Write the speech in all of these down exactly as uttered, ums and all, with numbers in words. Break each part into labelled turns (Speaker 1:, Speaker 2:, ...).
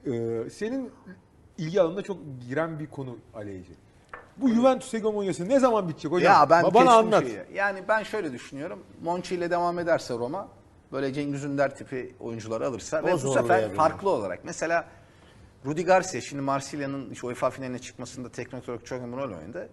Speaker 1: Ee, senin ilgi alanına çok giren bir konu Aleyci. Bu Juventus hegemonyası ne zaman bitecek hocam?
Speaker 2: Ya ben
Speaker 1: Bana
Speaker 2: kestim
Speaker 1: anlat.
Speaker 2: şeyi. Yani ben şöyle düşünüyorum. Monchi ile devam ederse Roma böyle Cengiz Ünder tipi oyuncuları alırsa
Speaker 3: O
Speaker 2: ve bu sefer
Speaker 3: zorlayabilir.
Speaker 2: farklı olarak mesela Rudi Garcia şimdi Marsilya'nın işte UEFA finaline çıkmasında teknik olarak çok önemli rol oynadı.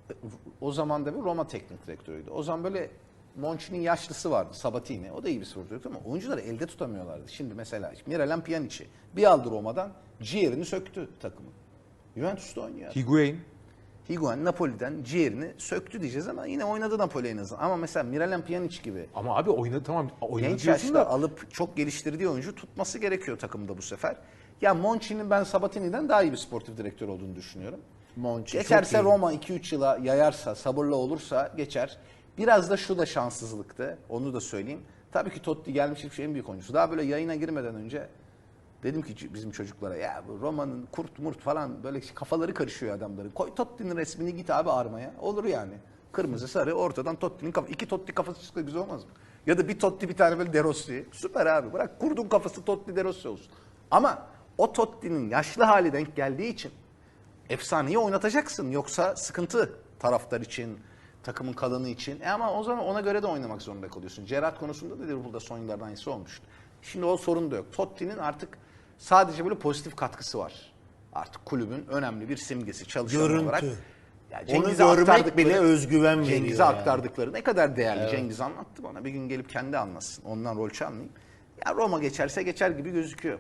Speaker 2: O zaman da bir Roma teknik direktörüydü. O zaman böyle Monchi'nin yaşlısı vardı, Sabatini. O da iyi bir spor direktörü ama oyuncuları elde tutamıyorlardı. Şimdi mesela Miralem Pjanic'i bir aldı Roma'dan, ciğerini söktü takımı. Juventus'ta oynuyor.
Speaker 1: Higuain.
Speaker 2: Higuain Napoli'den ciğerini söktü diyeceğiz ama yine oynadı Napoli en azından. Ama mesela Miralem Pjanic gibi
Speaker 1: Ama abi oynadı tamam oynadı
Speaker 2: genç
Speaker 1: diyorsun
Speaker 2: yaşta
Speaker 1: da.
Speaker 2: alıp çok geliştirdiği oyuncu tutması gerekiyor takımda bu sefer. Ya Monchi'nin ben Sabatini'den daha iyi bir sportif direktör olduğunu düşünüyorum.
Speaker 3: Monchi
Speaker 2: Geçerse
Speaker 3: çok iyi.
Speaker 2: Roma iki üç yıla yayarsa, sabırlı olursa geçer. Biraz da şu da şanssızlıktı. Onu da söyleyeyim. Tabii ki Totti gelmiş bir en büyük oyuncusu. Daha böyle yayına girmeden önce dedim ki bizim çocuklara ya bu Roma'nın kurt murt falan böyle kafaları karışıyor adamların. Koy Totti'nin resmini git abi armaya. Olur yani. Kırmızı sarı ortadan Totti'nin kafası. İki Totti kafası çıksa güzel olmaz mı? Ya da bir Totti bir tane böyle De Rossi. Süper abi. Bırak kurdun kafası Totti De Rossi olsun. Ama o Totti'nin yaşlı hali denk geldiği için efsaneyi oynatacaksın. Yoksa sıkıntı taraftar için, takımın kalanı için. E ama o zaman ona göre de oynamak zorunda kalıyorsun. Gerrard konusunda da Liverpool'da son yıllardan iyisi olmuştu. Şimdi o sorun da yok. Totti'nin artık sadece böyle pozitif katkısı var. Artık kulübün önemli bir simgesi, çalışan
Speaker 3: Görüntü.
Speaker 2: olarak. Ya
Speaker 3: Onu
Speaker 2: Cengiz'e
Speaker 3: görmek
Speaker 2: aktardıkları-
Speaker 3: bile özgüven veriyor.
Speaker 2: Cengiz'e
Speaker 3: yani.
Speaker 2: aktardıkları ne kadar değerli. Cengiz anlattı bana. Bir gün gelip kendi anlatsın. Ondan rol çalmayayım. Ya Roma geçerse geçer gibi gözüküyor.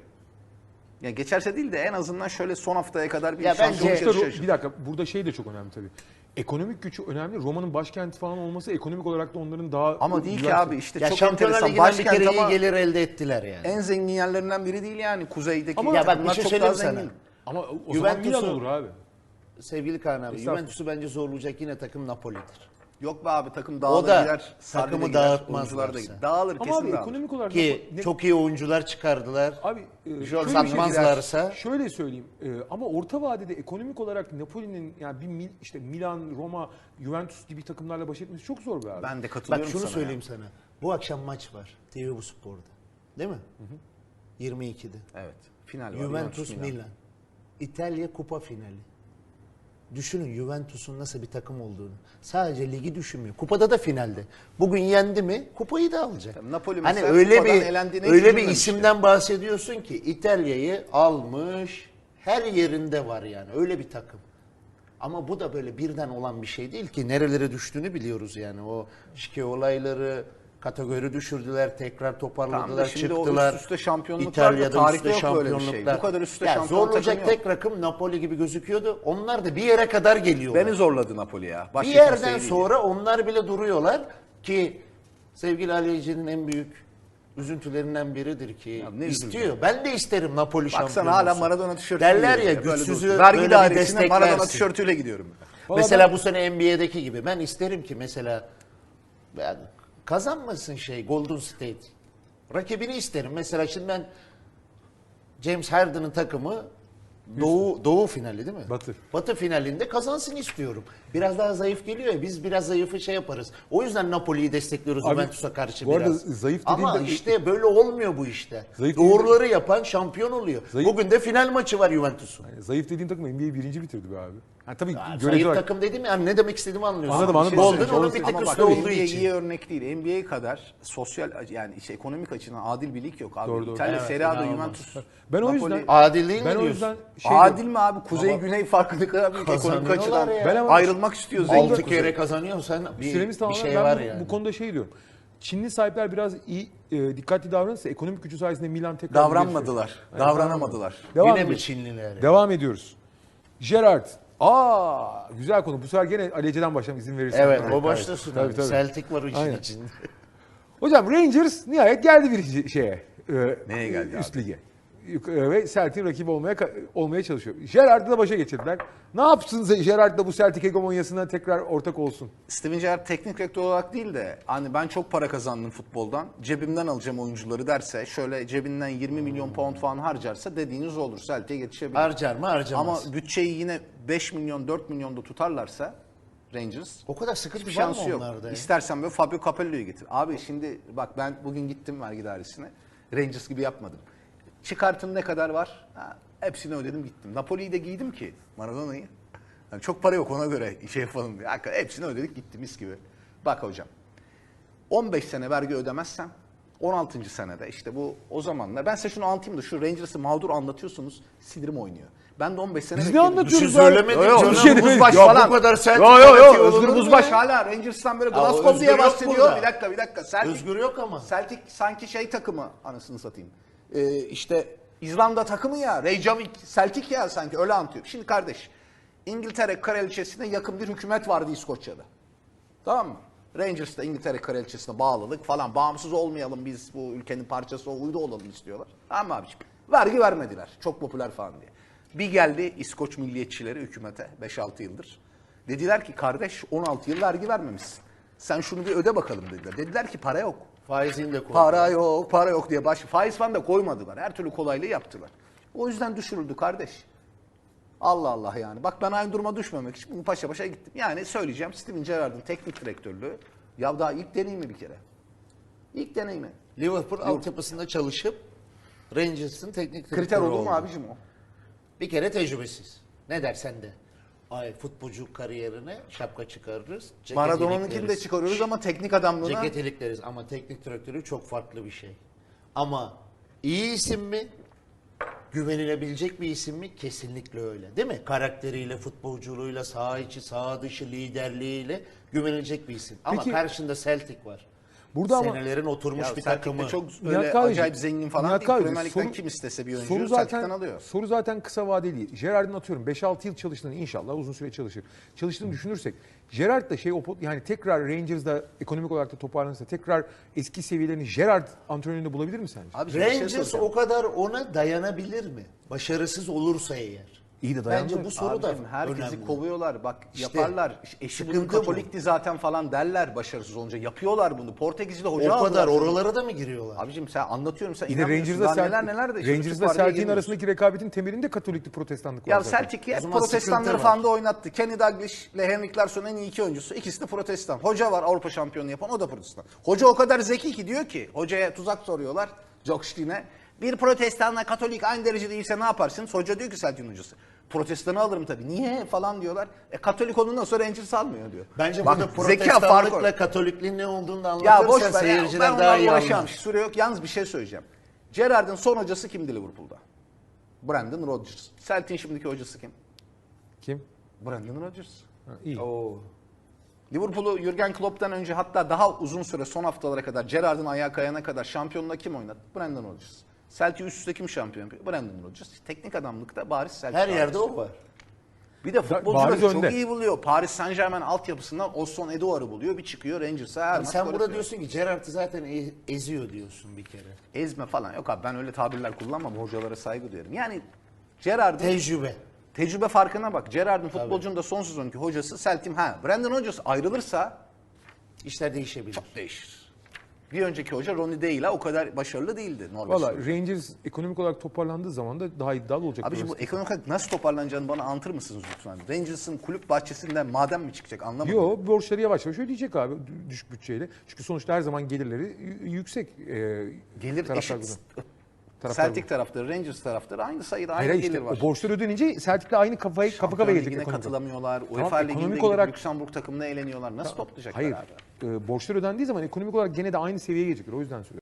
Speaker 2: Ya geçerse değil de en azından şöyle son haftaya kadar bir
Speaker 3: Ya
Speaker 2: şans
Speaker 3: bence-
Speaker 1: Sonuçta
Speaker 2: yarışı
Speaker 1: Ro-
Speaker 2: yaşasın.
Speaker 1: bir dakika burada şey de çok önemli tabii. Ekonomik gücü önemli. Roma'nın başkenti falan olması ekonomik olarak da onların daha...
Speaker 2: Ama değil ki
Speaker 1: güven-
Speaker 2: abi işte
Speaker 3: Ya
Speaker 2: çok
Speaker 3: Şampiyonlar
Speaker 2: enteresan.
Speaker 3: Ligi'nden bir
Speaker 2: Başkent
Speaker 3: kere iyi
Speaker 2: ama
Speaker 3: gelir elde ettiler yani.
Speaker 2: en zengin yerlerinden biri değil yani. Kuzeydeki
Speaker 1: Ama-
Speaker 3: Ya bak bir
Speaker 2: takımlar
Speaker 3: şey
Speaker 2: çok
Speaker 3: söyleyeyim
Speaker 2: daha
Speaker 3: sana.
Speaker 2: zengin.
Speaker 1: Ama o zaman
Speaker 3: Juventus'u-
Speaker 1: Milan olur abi.
Speaker 3: Sevgili Kaan abi,
Speaker 1: Estağfurullah.
Speaker 3: Juventus'u bence zorlayacak yine takım Napoli'dir.
Speaker 2: Yok be abi takım dağılır
Speaker 3: O da
Speaker 2: gider. Sarri de
Speaker 3: takımı
Speaker 2: gider,
Speaker 3: dağıtmazlarsa.
Speaker 2: oyuncular da gider. Dağılır
Speaker 1: Ama
Speaker 2: kesin
Speaker 1: abi
Speaker 2: dağılır.
Speaker 1: ekonomik olarak...
Speaker 3: Ki
Speaker 1: ne-
Speaker 3: çok iyi oyuncular çıkardılar.
Speaker 1: Abi e,
Speaker 3: Şöyle
Speaker 1: şöyle bir şey-
Speaker 3: satmazlarsa
Speaker 1: Şöyle söyleyeyim e, ama orta vadede ekonomik olarak Napoli'nin yani bir Mil- işte Milan, Roma, Juventus gibi takımlarla baş etmesi çok zor be abi.
Speaker 2: Ben de
Speaker 3: bak
Speaker 2: katılıyorum
Speaker 3: şunu
Speaker 2: sana.
Speaker 3: söyleyeyim sana. Bu akşam maç var. T V Bu Spor'da. Değil mi? yirmi ikide.
Speaker 2: Ya. Evet. Final var.
Speaker 3: Juventus
Speaker 2: Milan.
Speaker 3: Milan. İtalya Kupa finali. Düşünün Juventus'un nasıl bir takım olduğunu. Sadece ligi düşünmüyor. Kupada da finalde. Bugün yendi mi kupayı da alacak.
Speaker 2: Tabii Napoli
Speaker 3: hani
Speaker 2: mesela
Speaker 3: öyle
Speaker 2: kupadan
Speaker 3: bir
Speaker 2: elendiğine hiç
Speaker 3: öyle bir
Speaker 2: üzülmemişti.
Speaker 3: isimden bahsediyorsun ki İtalya'yı almış. Her yerinde var yani. Öyle bir takım. Ama bu da böyle birden olan bir şey değil ki. Nerelere düştüğünü biliyoruz yani. O şike olayları kategori düşürdüler, tekrar toparladılar,
Speaker 2: Tamam da şimdi o
Speaker 3: çıktılar.
Speaker 2: üst üste şampiyonluklar da
Speaker 3: İtalya'da
Speaker 2: tarihte
Speaker 3: üstte
Speaker 2: yok böyle bir şey.
Speaker 3: şampiyonluklar.
Speaker 2: Bu kadar üst üste
Speaker 3: Ya
Speaker 2: şampiyon
Speaker 3: zorlayacak
Speaker 2: takım yok.
Speaker 3: tek rakım Napoli gibi gözüküyordu. Onlar da bir yere kadar geliyorlar.
Speaker 2: Beni zorladı Napoli ya. Başka
Speaker 3: bir yerden
Speaker 2: kimseyi değil.
Speaker 3: sonra onlar bile duruyorlar ki sevgili Aleyci'nin en büyük üzüntülerinden biridir ki
Speaker 2: ne
Speaker 3: istiyor.
Speaker 2: üzüldüm.
Speaker 3: Ben de isterim Napoli şampiyon
Speaker 2: Baksana hala
Speaker 3: olsun.
Speaker 2: Maradona tişörtü
Speaker 3: Derler
Speaker 2: giyiyor.
Speaker 3: ya
Speaker 2: Böyle
Speaker 3: güçsüzü
Speaker 2: dursun. Vergi
Speaker 3: böyle bir
Speaker 2: dairesine Maradona
Speaker 3: desteklersin.
Speaker 2: tişörtüyle gidiyorum.
Speaker 1: Vallahi
Speaker 3: Mesela
Speaker 1: ben-
Speaker 3: bu sene N B A'deki gibi ben isterim ki mesela ben kazanmasın şey Golden State. Rakibini isterim. Mesela şimdi ben James Harden'ın takımı Doğu Doğu finali değil mi?
Speaker 1: Batı.
Speaker 3: Batı finalinde kazansın istiyorum. Biraz daha zayıf geliyor ya biz biraz zayıfı şey yaparız. O yüzden Napoli'yi destekliyoruz
Speaker 1: Abi,
Speaker 3: Juventus'a karşı
Speaker 1: bu arada
Speaker 3: biraz.
Speaker 1: zayıf
Speaker 3: Ama
Speaker 1: dediğinde-
Speaker 3: işte böyle olmuyor bu işte.
Speaker 1: Zayıf
Speaker 3: Doğruları yapan şampiyon oluyor.
Speaker 1: Zayıf-
Speaker 3: Bugün de final maçı var Juventus'un.
Speaker 1: Yani zayıf dediğin takım N B A'yi birinci bitirdi be abi. Ha, tabii
Speaker 3: Ya,
Speaker 1: göreceli
Speaker 3: zayıf
Speaker 1: olarak-
Speaker 3: takım dedim yani ne demek istediğimi anlıyorsun.
Speaker 1: Anladım, anladım.
Speaker 3: Golden
Speaker 1: Anladım.
Speaker 3: onun bir tek
Speaker 2: Ama bak
Speaker 3: üstü olduğu
Speaker 2: N B A
Speaker 3: için.
Speaker 2: iyi örnek değil. N B A kadar sosyal yani işte ekonomik açıdan adil bir lig yok abi.
Speaker 1: Doğru, doğru.
Speaker 2: İtalya
Speaker 3: Evet,
Speaker 2: Serie A'da
Speaker 3: inanılmaz.
Speaker 2: Juventus.
Speaker 1: Ben o
Speaker 2: Napoli-
Speaker 1: yüzden
Speaker 3: Adil değil mi
Speaker 1: ben o
Speaker 3: diyorsun?
Speaker 1: yüzden şey
Speaker 2: Adil
Speaker 1: diyorum.
Speaker 2: mi abi? Kuzey Güney farkı ne kadar büyük ekonomik
Speaker 3: Kazanıyorlar
Speaker 2: açıdan.
Speaker 3: ya.
Speaker 1: Ben ama-
Speaker 2: Ayrılmak istiyor zengin
Speaker 3: Altı
Speaker 2: Kuzey.
Speaker 3: kere kazanıyorsan bir,
Speaker 1: Süremiz
Speaker 3: bir
Speaker 1: tamamen
Speaker 3: şey
Speaker 1: ben
Speaker 3: var
Speaker 1: bu,
Speaker 3: yani.
Speaker 1: bu konuda şey diyorum. Çinli sahipler biraz iyi e, dikkatli davranırsa ekonomik gücü sayesinde Milan tekrar
Speaker 2: Davranmadılar. Davranamadılar.
Speaker 1: Devam
Speaker 3: Yine mi
Speaker 1: ediyoruz.
Speaker 3: Çinliler? ya?
Speaker 1: Devam ediyoruz. Gerrard. Aa güzel konu. Bu sefer gene Alece'den başlayalım izin verirsen.
Speaker 3: Evet o başlasın.
Speaker 1: Tabii,
Speaker 3: abi.
Speaker 1: tabii.
Speaker 3: Celtic var o işin
Speaker 1: Aynen.
Speaker 3: içinde.
Speaker 1: Hocam Rangers nihayet geldi birinci şeye. E,
Speaker 2: Neye geldi
Speaker 1: Üst
Speaker 2: abi?
Speaker 1: lige. Yuk- e, Ve Celtic'in rakibi olmaya olmaya çalışıyor. Gerrard'ı da başa geçirdiler. Ne yapsın Gerrard da bu Celtic hegemonyasına tekrar ortak olsun?
Speaker 2: Steven Gerrard teknik direktör olarak değil de hani ben çok para kazandım futboldan. Cebimden alacağım oyuncuları derse şöyle cebinden yirmi milyon pound falan harcarsa dediğiniz olur. Celtic'e geçebilir.
Speaker 3: Harcar mı harcamaz.
Speaker 2: Ama bütçeyi yine beş milyon dört milyonda tutarlarsa Rangers
Speaker 3: O kadar sıkıntı
Speaker 2: hiçbir
Speaker 3: var mı
Speaker 2: şansı yok.
Speaker 3: onlarda ya?
Speaker 2: İstersen böyle Fabio Capello'yu getir. Abi şimdi bak ben bugün gittim vergi dairesine. Rangers gibi yapmadım. Çıkartın ne kadar var? Ha, hepsini ödedim gittim. Napoli'yi de giydim ki Maradona'yı. Yani çok para yok ona göre şey yapalım diye. Hakikaten hepsini ödedik gitti mis gibi. Bak hocam. on beş sene vergi ödemezsem on altıncı senede işte bu o zamanlar ben size şunu anlatayım da şu Rangers'ı mağdur anlatıyorsunuz sinirim oynuyor. Ben de on beş sene
Speaker 1: Biz ne
Speaker 2: bekledim.
Speaker 1: anlatıyoruz
Speaker 3: Bir şey
Speaker 1: abi?
Speaker 3: söylemedik
Speaker 2: Yo, yo,
Speaker 3: canım.
Speaker 1: Bir şey
Speaker 2: Özgür
Speaker 1: demedik.
Speaker 2: Buzbaş
Speaker 3: Ya bu
Speaker 2: falan.
Speaker 3: kadar sert
Speaker 2: Yo yo
Speaker 3: ifade
Speaker 2: yo
Speaker 3: olur
Speaker 2: Özgür
Speaker 3: mu
Speaker 2: Buzbaş
Speaker 3: ya?
Speaker 2: hala Rangers'tan böyle
Speaker 3: Ya
Speaker 2: Glasgow
Speaker 3: Özgür
Speaker 2: diye
Speaker 3: yok
Speaker 2: bahsediyor.
Speaker 3: burada.
Speaker 2: Bir dakika bir dakika. Celtic,
Speaker 3: Özgür yok ama.
Speaker 2: Celtic sanki şey takımı anasını satayım. Ee, işte İzlanda takımı ya. Reykjavik Celtic ya sanki öyle anlatıyor. Şimdi kardeş İngiltere Kraliçesi'ne yakın bir hükümet vardı İskoçya'da. Tamam mı? Rangers da İngiltere Kraliçesi'ne bağlılık falan. Bağımsız olmayalım biz bu ülkenin parçası uydu olalım istiyorlar. Tamam mı abiciğim? Vergi vermediler. Çok popüler falan diye. Bir geldi İskoç milliyetçileri hükümete beş altı yıldır. Dediler ki kardeş on altı yıl vergi vermemişsin. Sen şunu bir öde bakalım dediler. Dediler ki para yok.
Speaker 3: Faizini de koy.
Speaker 2: Para yok, para yok diye baş faiz falan da koymadılar. Her türlü kolaylığı yaptılar. O yüzden düşürüldü kardeş. Allah Allah yani. Bak ben aynı duruma düşmemek için bunu paşa paşa gittim. Yani söyleyeceğim Steven Gerrard'ın teknik direktörlüğü ya daha ilk deneyimi bir kere. İlk deneyimi.
Speaker 3: Liverpool altyapısında çalışıp Rangers'ın teknik
Speaker 2: Kriter
Speaker 3: direktörü
Speaker 2: olur mu
Speaker 3: oldu.
Speaker 2: abicim o?
Speaker 3: Bir kere tecrübesiz. Ne dersen de. Ay futbolcu kariyerine şapka çıkarırız. ceket
Speaker 2: Maradona'nınkini de
Speaker 3: ilikleriz.
Speaker 2: çıkarıyoruz ama teknik adamlığına...
Speaker 3: Ceket ilikleriz ama teknik direktörü çok farklı bir şey. Ama iyi isim mi? Güvenilebilecek bir isim mi? Kesinlikle öyle. Değil mi? Karakteriyle, futbolculuğuyla, saha içi, saha dışı liderliğiyle güvenilecek bir isim. Ama
Speaker 1: Peki-
Speaker 3: karşında Celtic var.
Speaker 1: Burada ama-
Speaker 3: Senelerin oturmuş
Speaker 2: Ya
Speaker 3: bir
Speaker 2: Celtic'te
Speaker 3: takımı.
Speaker 2: çok
Speaker 1: Nihat
Speaker 2: öyle
Speaker 1: Kahveci,
Speaker 2: acayip zengin falan
Speaker 1: Nihat
Speaker 2: değil.
Speaker 1: Kahveci,
Speaker 2: Premier Lig'den
Speaker 1: soru-
Speaker 2: kim istese bir
Speaker 1: soru
Speaker 2: oyuncu
Speaker 1: zaten,
Speaker 2: Celtic'ten alıyor.
Speaker 1: soru zaten kısa vadeli değil. Gerrard'ın atıyorum beş altı yıl çalıştığını inşallah uzun süre çalışır. Çalıştığını düşünürsek Gerrard da şey o pot- yani tekrar Rangers'da ekonomik olarak da toparlanırsa tekrar eski seviyelerini Gerrard antrenöründe bulabilir mi sence?
Speaker 2: Abi şimdi bir şey
Speaker 3: Rangers
Speaker 2: soracağım.
Speaker 3: o kadar ona dayanabilir mi? Başarısız olursa eğer.
Speaker 1: İyi de dayandı.
Speaker 3: Bence bu soru da
Speaker 2: Abicim, herkesi
Speaker 3: önemli.
Speaker 2: kovuyorlar. Bak
Speaker 3: İşte,
Speaker 2: yaparlar. Eşi
Speaker 3: sıkıntı
Speaker 2: bulunduğu
Speaker 3: bu.
Speaker 2: bu ligdi zaten falan derler başarısız olunca. Yapıyorlar bunu. Portekiz'de
Speaker 3: O
Speaker 2: hoca
Speaker 3: kadar
Speaker 2: aldılar.
Speaker 3: oralara da mı giriyorlar?
Speaker 2: Abicim sen anlatıyorum sen
Speaker 1: İyi de
Speaker 2: inanmıyorsun.
Speaker 1: Rangers'da
Speaker 2: Daha
Speaker 1: Celtic,
Speaker 2: neler neler de. işte
Speaker 1: Rangers'da
Speaker 2: Süper Lig'e
Speaker 1: Celtic'in
Speaker 2: girmiyoruz.
Speaker 1: arasındaki rekabetin temelinde Katoliklik, Protestanlık var
Speaker 2: Ya
Speaker 1: zaten.
Speaker 2: Celtic
Speaker 3: O
Speaker 2: hep
Speaker 3: zaman
Speaker 2: protestanları
Speaker 3: sıkıntı
Speaker 2: falan
Speaker 3: var.
Speaker 2: da oynattı. Kenny Dalglish ile Henrik Larsson en iyi iki oyuncusu. İkisi de protestan. Hoca var Avrupa şampiyonu yapan o da protestan. Hoca o kadar zeki ki diyor ki hocaya tuzak soruyorlar. Jokştin'e. Bir protestanla Katolik aynı derecede değilse ne yaparsınız? Hoca diyor ki Celtic'in hocası. Protestanı alırım tabii. Niye falan diyorlar. E Katolik ondan sonra Rangers almıyor diyor.
Speaker 3: Bence
Speaker 2: Bak,
Speaker 3: burada
Speaker 2: zeka farkı
Speaker 3: protestanlıkla
Speaker 2: var.
Speaker 3: Katolikliğin ne olduğunu da
Speaker 2: Ya
Speaker 3: anlatırsan
Speaker 2: boş ver ya.
Speaker 3: seyirciler
Speaker 2: Ben
Speaker 3: daha iyi
Speaker 2: onlarla uğraşamam.
Speaker 3: anlar.
Speaker 2: Süre yok. Yalnız bir şey söyleyeceğim. Gerrard'ın son hocası kimdi Liverpool'da? Brandon Rodgers. Celtic'in şimdiki hocası kim?
Speaker 1: Kim?
Speaker 2: Brandon Rodgers.
Speaker 1: Ha, iyi.
Speaker 2: Liverpool'u Jurgen Klopp'tan önce hatta daha uzun süre son haftalara kadar Gerrard'ın ayağı kayana kadar şampiyonluğuna kim oynadı? Brandon Rodgers. Celtic üst üste kim şampiyon yapıyor? Brandon Rodgers. Teknik adamlıkta bariz Celtic.
Speaker 3: Her yerde
Speaker 2: bariz.
Speaker 3: o var.
Speaker 2: Bir de
Speaker 1: bariz
Speaker 2: futbolcuları çok
Speaker 1: önde.
Speaker 2: iyi buluyor. Paris Saint Germain altyapısından Osson Eduard'ı buluyor. Bir çıkıyor Rangers'a her
Speaker 3: Yani
Speaker 2: maç
Speaker 3: sen
Speaker 2: gol
Speaker 3: burada
Speaker 2: atıyor.
Speaker 3: diyorsun ki Gerrard'ı zaten e- eziyor diyorsun bir kere.
Speaker 2: Ezme falan. Yok abi ben öyle tabirler kullanmam. Hocalara saygı duyarım. Yani Gerrard'ın
Speaker 3: Tecrübe.
Speaker 2: tecrübe farkına bak. Gerrard'ın futbolcunun da son sezonki hocası Celtic. Ha Brandon Rodgers ayrılırsa
Speaker 3: İşler değişebilir.
Speaker 2: çok değişir. Bir önceki hoca Ronnie Deila o kadar başarılı değildi Norveç.
Speaker 1: Valla
Speaker 2: hoca.
Speaker 1: Rangers ekonomik olarak toparlandığı zaman da daha iddialı olacak.
Speaker 2: Abiciğim bu
Speaker 1: burası.
Speaker 2: ekonomik olarak nasıl toparlanacağını bana anlatır mısınız lütfen? Rangers'ın kulüp bahçesinden maden mi çıkacak anlamadım.
Speaker 1: Yo borçları yavaş yavaş ödeyecek abi düşük bütçeyle. Çünkü sonuçta her zaman gelirleri y- yüksek. E,
Speaker 2: Gelir
Speaker 1: taraftar
Speaker 2: eşit.
Speaker 1: grubundan. Taraftar
Speaker 2: Celtic taraftarı, Rangers taraftarı aynı sayıda aynı
Speaker 1: Hayır
Speaker 2: gelir
Speaker 1: işte
Speaker 2: var.
Speaker 1: o borçlar ödenince Celtic'le aynı kafayı kafa
Speaker 2: Şampiyon
Speaker 1: kafaya gelecek
Speaker 2: Ligi'ne
Speaker 1: ekonomik.
Speaker 2: katılamıyorlar.
Speaker 1: Tamam,
Speaker 2: UEFA Ligi'nde
Speaker 1: ekonomik
Speaker 2: gidip
Speaker 1: olarak-
Speaker 2: Lüksemburg takımına eğleniyorlar. Nasıl toplayacaklar
Speaker 1: Hayır.
Speaker 2: abi?
Speaker 1: E, borçlar ödendiği zaman ekonomik olarak gene de aynı seviyeye gelecekler. O yüzden söylüyorum.